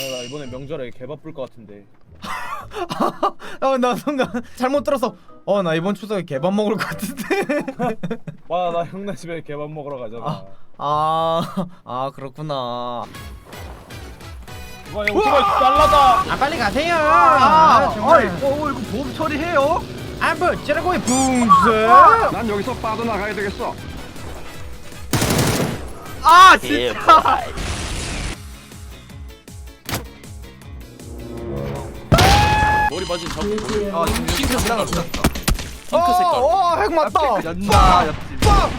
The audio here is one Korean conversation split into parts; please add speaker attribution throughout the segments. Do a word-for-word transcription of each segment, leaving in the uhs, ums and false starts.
Speaker 1: 나 이번에 명절에 개 바쁠 것 같은데.
Speaker 2: 아, 나 순간 잘못 들었어. 어, 나 이번 추석에 개밥 먹을 것 같은데.
Speaker 1: 와, 나 형네 집에 개밥 먹으러 가잖아.
Speaker 2: 아, 아, 아 그렇구나.
Speaker 1: 와, 이거 오토바이 날라다.
Speaker 2: 아, 빨리 가세요.
Speaker 3: 아,
Speaker 2: 아, 정말.
Speaker 3: 어이, 어, 이거 보험 처리해요?
Speaker 2: 아, 뭐 찌라고이 붕스.
Speaker 3: 난 여기서 빠져나가야 되겠어. 아, 진짜.
Speaker 4: 머리 맞은 잡고
Speaker 3: 아, 지금
Speaker 4: 핑크 색깔
Speaker 2: 어,
Speaker 4: 핑크 색깔
Speaker 2: 어, 핵 맞다.
Speaker 3: 연나 옆집.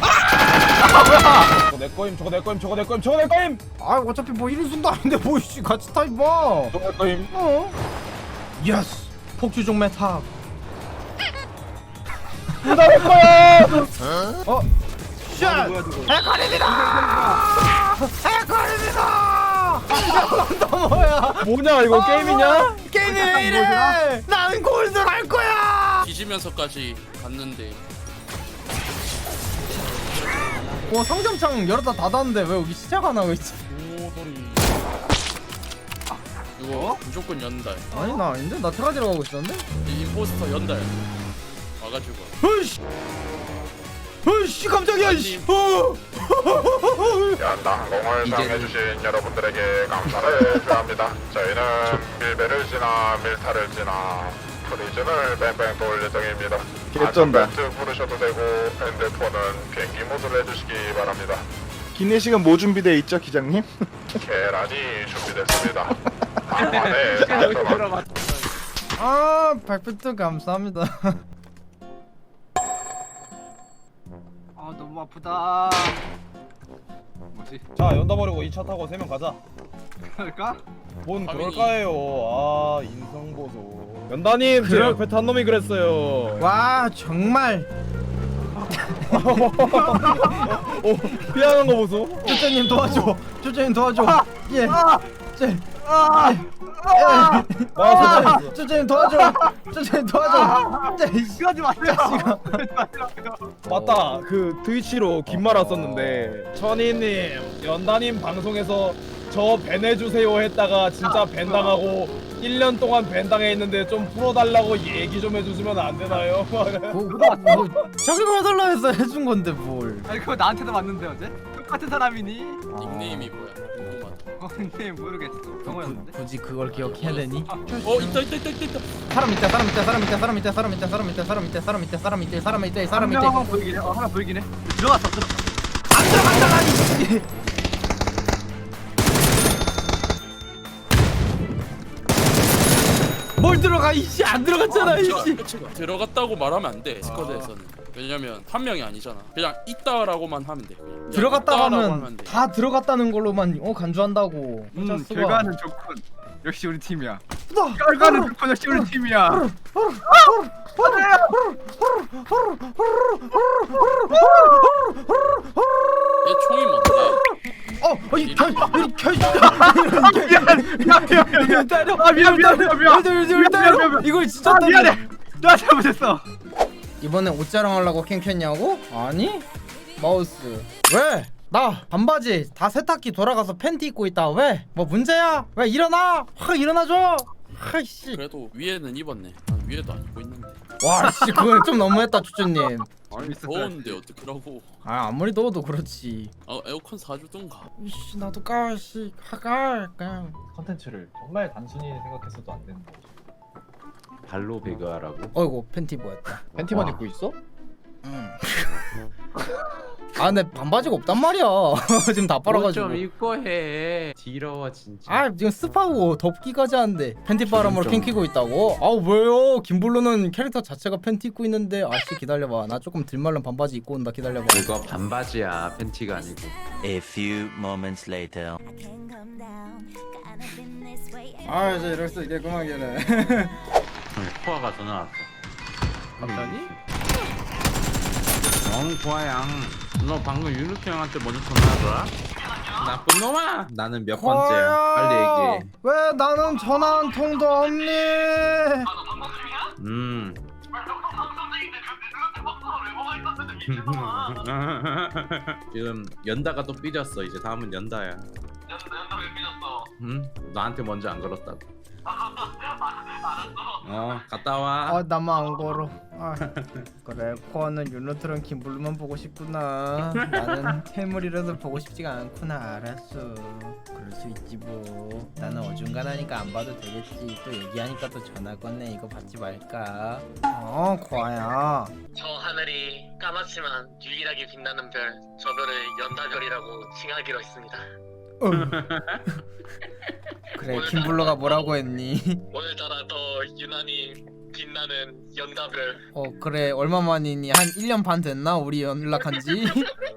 Speaker 1: 저거 내 거임, 저거 내 거임, 저거 내 거임, 저거 내 거임.
Speaker 2: 아, 어차피 뭐 이런 순도 아닌데 뭐 씨 같이 타 임마.
Speaker 1: 저거 내 거임.
Speaker 2: 어? 예스. 폭주종 메타.
Speaker 1: 나내 거야.
Speaker 2: 어? 샷!
Speaker 3: 뭐야, 저거.
Speaker 2: 해커립니다! 해커립니다! 너 뭐야?
Speaker 1: 뭐냐 이거 게임이냐?
Speaker 2: 게임이 왜 이래? 나는 골드 갈 거야!
Speaker 4: 뒤지면서까지 갔는데
Speaker 2: 와, 상점창 열었다 닫았는데 왜 여기 시작 안 하고 있지?
Speaker 4: 오돌이 이거 무조건 연달.
Speaker 2: 아니 나 아닌데? 나 테라지로 가고 있었는데?
Speaker 4: 이 임포스터 연달 와가지고
Speaker 2: 으이씨! 으이씨 깜짝이야 이씨! 어!
Speaker 5: 연다 항공을 사용해주신 여러분들에게 감사를 표합니다. 저희는 밀배를 지나 밀타를 지나 프리즌을 뺑뺑 돌 예정입니다.
Speaker 6: 개쩐다.
Speaker 5: 안전벨트 부르셔도 되고 핸드폰은 비행기 모드로 해주시기 바랍니다.
Speaker 6: 기내식은 뭐 준비되어 있죠, 기장님?
Speaker 5: 계란이 준비됐습니다. 안에 달콤한
Speaker 2: 아, 발표트 감사합니다.
Speaker 3: 아, 너무 아프다. 뭐지?
Speaker 1: 자, 연다 버리고 이 차 타고 세 명 가자.
Speaker 3: 그럴까?
Speaker 1: 뭔
Speaker 4: 아니.
Speaker 1: 그럴까요? 아, 인성 보소. 연다님, 제
Speaker 2: 그래.
Speaker 1: 옆에 탄 놈이 그랬어요.
Speaker 2: 와 정말
Speaker 1: 오, 피하는 거 보소.
Speaker 2: 쭈쭈님 도와줘. 쭈쭈님 도와줘. 예. 쭈.
Speaker 3: 아,
Speaker 1: 나
Speaker 2: 아,
Speaker 1: 진짜
Speaker 2: 쭈쭈님 도와줘. 쭈쭈님 도와줘. 자, 이씨.
Speaker 3: 이거 하지 마세요.
Speaker 1: 맞다. 그 트위치로 긴 말 왔었는데 천이님, 연다님 방송에서 저 밴해주세요 했다가 진짜 밴 당하고 일 년 동안 밴 당해 있는데 좀 풀어달라고 얘기 좀 해주시면 안 되나요?
Speaker 2: 뭐, 뭐, 자기가 해달라 해서 해준 건데 뭘?
Speaker 3: 아니, 그거 나한테도 왔는데 어제? 똑같은 사람이니?
Speaker 4: 닉네임이 뭐야? 궁금하다.
Speaker 3: 어, 근데 모르겠어. 병호였는데?
Speaker 2: 굳이 그걸 기억해야 되니?
Speaker 4: 어 있다 있다 있다 있다 있다.
Speaker 2: 사람 있다, 사람 있다, 사람 있다, 사람 있다, 사람 있다, 사람 있다, 사람 있다, 사람 있다, 사람 있다, 사람 있다, 사람 있다.
Speaker 3: 하나 보이긴 해. 어, 하나 보이긴 해. 들어갔어. 들어.
Speaker 2: 안 들어간다, 아니. 뭘 들어가 이씨 안 들어갔잖아 이씨.
Speaker 4: 끝이가 들어갔다고 말하면 안 돼. 스쿼드에서는. 왜냐면 한 명이 아니잖아. 그냥 있다라고만 하면 돼. 그냥.
Speaker 2: 들어갔다
Speaker 4: 있다라고
Speaker 2: 하면
Speaker 4: 돼.
Speaker 2: 다 들어갔다는 걸로만 어 간주한다고.
Speaker 3: 음,
Speaker 2: 짜스가.
Speaker 3: 결과는 좋군. 역시 우리 팀이야.
Speaker 2: 나-
Speaker 3: 결과는 좋군. 역시 우리 팀이야.
Speaker 4: 얘 총이 뭔데?
Speaker 2: 어, 어이 겨, 이 겨,
Speaker 3: 미안,
Speaker 2: 때려.
Speaker 3: 아, 미안, 미안, 미안, 미안.
Speaker 2: 때려,
Speaker 3: 미안, 미안,
Speaker 2: 때려.
Speaker 3: 미안, 미안.
Speaker 2: 이걸 진짜
Speaker 3: 아,
Speaker 2: 때려.
Speaker 3: 미안해. 나 잘못했어.
Speaker 2: 이번에 옷자랑 하려고 캔 켰냐고? 아니? 마우스. 왜? 나 반바지 다 세탁기 돌아가서 팬티 입고 있다. 왜? 뭐 문제야? 왜 일어나? 확 일어나줘. 아이씨.
Speaker 4: 그래도 위에는 입었네. 난 위에도 안 입고 있는데.
Speaker 2: 와, 씨 그건 좀 너무했다, 추추님.
Speaker 4: 더운데 어떡하라고.
Speaker 2: 아, 아무리 더워도 그렇지.
Speaker 4: 아 에어컨 사주던가.
Speaker 2: 이씨 나도 까, 씨 가가 그냥.
Speaker 7: 컨텐츠를 정말 단순히 생각했어도 안 되는 거죠. 발로 배그하라고?
Speaker 2: 어이구 팬티 보였다.
Speaker 7: 팬티만
Speaker 2: 와.
Speaker 7: 입고 있어?
Speaker 2: 응. 아, 근데 반바지가 없단 말이야. 지금 다 빨아가지고.
Speaker 7: 좀 입고 해. 지러워 진짜.
Speaker 2: 아, 지금 습하고 덥기까지 하는데 팬티 바람으로 캔 키고 있다고? 아, 왜요? 김블루는 캐릭터 자체가 팬티 입고 있는데. 아씨 기다려봐. 나 조금 들말른 반바지 입고 온다. 기다려봐.
Speaker 7: 그거 반바지야, 팬티가 아니고.
Speaker 8: A few moments later.
Speaker 2: 아, 이제 이럴 수 있겠구만,네
Speaker 7: 포화가 전화 왔어.
Speaker 2: 갑자기?
Speaker 7: 영 포화양. 너 방금 윤욱이 형한테 먼저 전화하더라? 나쁜 놈아. 나는 몇 번째야? 빨리 얘기해.
Speaker 2: 왜 나는 전화 한 통도 없니?
Speaker 7: 음. 지금 연다가 또 삐졌어. 이제 다음은 연다야. 연다 연다 왜 삐졌어? 응? 나한테 먼저 안 걸었다고. 어 갔다 와.
Speaker 2: 아 나만 안 걸어. 아, 그래 코어는 윤로트랑 김블루만 보고 싶구나. 나는 태물이라서 보고 싶지가 않구나. 알았어. 그럴 수 있지 뭐. 나는 어중간하니까 안 봐도 되겠지. 또 얘기하니까 또 전화 건네. 이거 받지 말까? 어 코아야.
Speaker 9: 저 하늘이 까맣지만 유일하게 빛나는 별, 저 별을 연다별이라고 칭하기로 했습니다.
Speaker 2: 어. 그래 김블루가 뭐라고 했니?
Speaker 9: 오늘따라 더 유난히 빛나는 연다별.
Speaker 2: 어 그래 얼마만이니? 한 일 년 반 됐나? 우리 연락한지?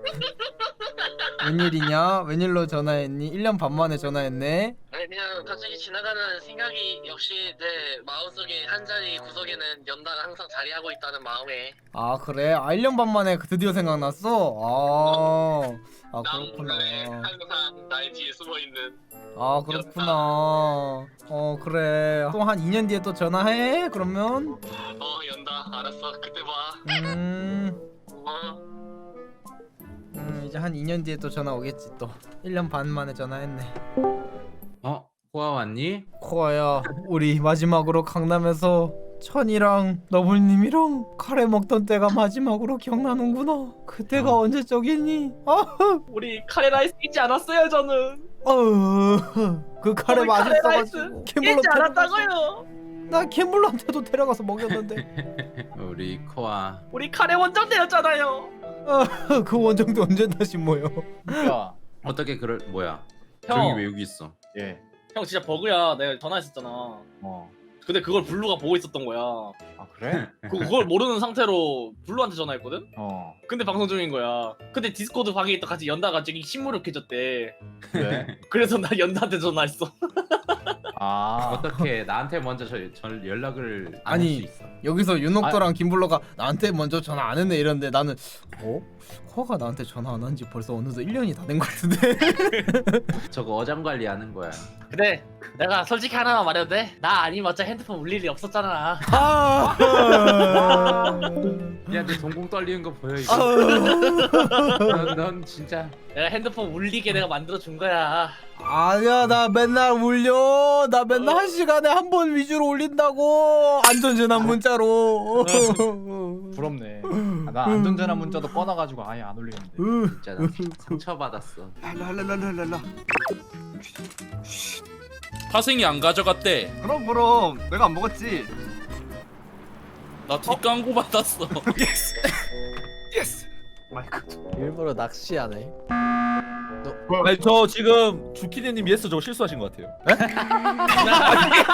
Speaker 2: 웬일이냐? 웬일로 전화했니? 일 년 반 만에 전화했네?
Speaker 9: 아니 그냥 갑자기 지나가는 생각이 역시 내 마음속에 한 자리 구석에는 연다가 항상 자리하고 있다는 마음에
Speaker 2: 아 그래? 아 일 년 반 만에 드디어 생각났어? 아, 아
Speaker 9: 난
Speaker 2: 그렇구나.
Speaker 9: 원래 항상 나의 뒤에 숨어있는.
Speaker 2: 아 그렇구나. 어 그래 또 한 이 년 뒤에 또 전화해? 그러면?
Speaker 9: 어 연다 알았어 그때 봐.
Speaker 2: 음,
Speaker 9: 어.
Speaker 2: 음 이제 한 이 년 뒤에 또 전화 오겠지 또. 일 년 반 만에 전화했네.
Speaker 7: 어 코아 왔니?
Speaker 2: 코아야 우리 마지막으로 강남에서 천이랑 너블님이랑 카레 먹던 때가 마지막으로 기억나는구나. 그때가
Speaker 7: 어.
Speaker 2: 언제적이니? 아,
Speaker 9: 우리 카레라이스 잊지 않았어요 저는.
Speaker 2: 어휴, 그 카레
Speaker 9: 우리 카레라이스
Speaker 2: 맛있어가지고 캠블러
Speaker 9: 잊지 않았다고요.
Speaker 2: 나 캠블러한테도 데려가서 먹였는데.
Speaker 7: 우리 코아.
Speaker 9: 우리 카레 원정대였잖아요.
Speaker 2: 아, 그 원정도 언제 다시 모여?
Speaker 1: 야,
Speaker 7: 어떻게 그럴 뭐야?
Speaker 1: 형.
Speaker 7: 저기 왜 여기 있어?
Speaker 6: 예.
Speaker 9: 형 진짜 버그야. 내가 전화했었잖아.
Speaker 6: 어.
Speaker 9: 근데 그걸 블루가 보고 있었던 거야.
Speaker 6: 아 그래?
Speaker 9: 그- 그걸 모르는 상태로 블루한테 전화했거든?
Speaker 6: 어.
Speaker 9: 근데 방송 중인 거야. 근데 디스코드 방에 있다 같이 연다가 저기 신무력해졌대.
Speaker 6: 그래?
Speaker 9: 그래서 나 연다한테 전화했어.
Speaker 6: 아.
Speaker 7: 어떻게 나한테 먼저 저, 저 연락을 안
Speaker 2: 아니.
Speaker 7: 할 수 있어?
Speaker 2: 여기서 윤옥도랑 김블러가 나한테 먼저 전화 안 했네 이러는데 나는 어? 코아가 나한테 전화 안 한 지 벌써 어느덧 일 년이 다 된 것 같은데?
Speaker 7: 저거 어장 관리하는 거야.
Speaker 9: 근데 내가 솔직히 하나만 말해도 돼? 나 아니면 어차피 핸드폰 울릴 일이 없었잖아.
Speaker 2: 아,
Speaker 7: 야, 내 동공 떨리는 거 보여 이거?
Speaker 2: 아,
Speaker 7: 넌, 넌 진짜
Speaker 9: 내가 핸드폰 울리게 내가 만들어 준 거야.
Speaker 2: 아니야 나 맨날 울려. 나 맨날 한 시간에 한 번 위주로 올린다고. 안전전환 문자로.
Speaker 1: 부럽네. 아, 나 안전전환 문자도 꺼놔가지고 아예 안 올리는데.
Speaker 7: 진짜 나 상처 받았어.
Speaker 3: 랄랄랄랄랄라.
Speaker 4: 파생이 안 가져갔대.
Speaker 3: 그럼 그럼 내가 안 먹었지.
Speaker 4: 나 뒷광고 받았어.
Speaker 3: 예스. 예스. 마이크.
Speaker 10: 일부러 낚시하네.
Speaker 1: 아니 저 지금 주키니님 예스 저거 실수하신 것 같아요.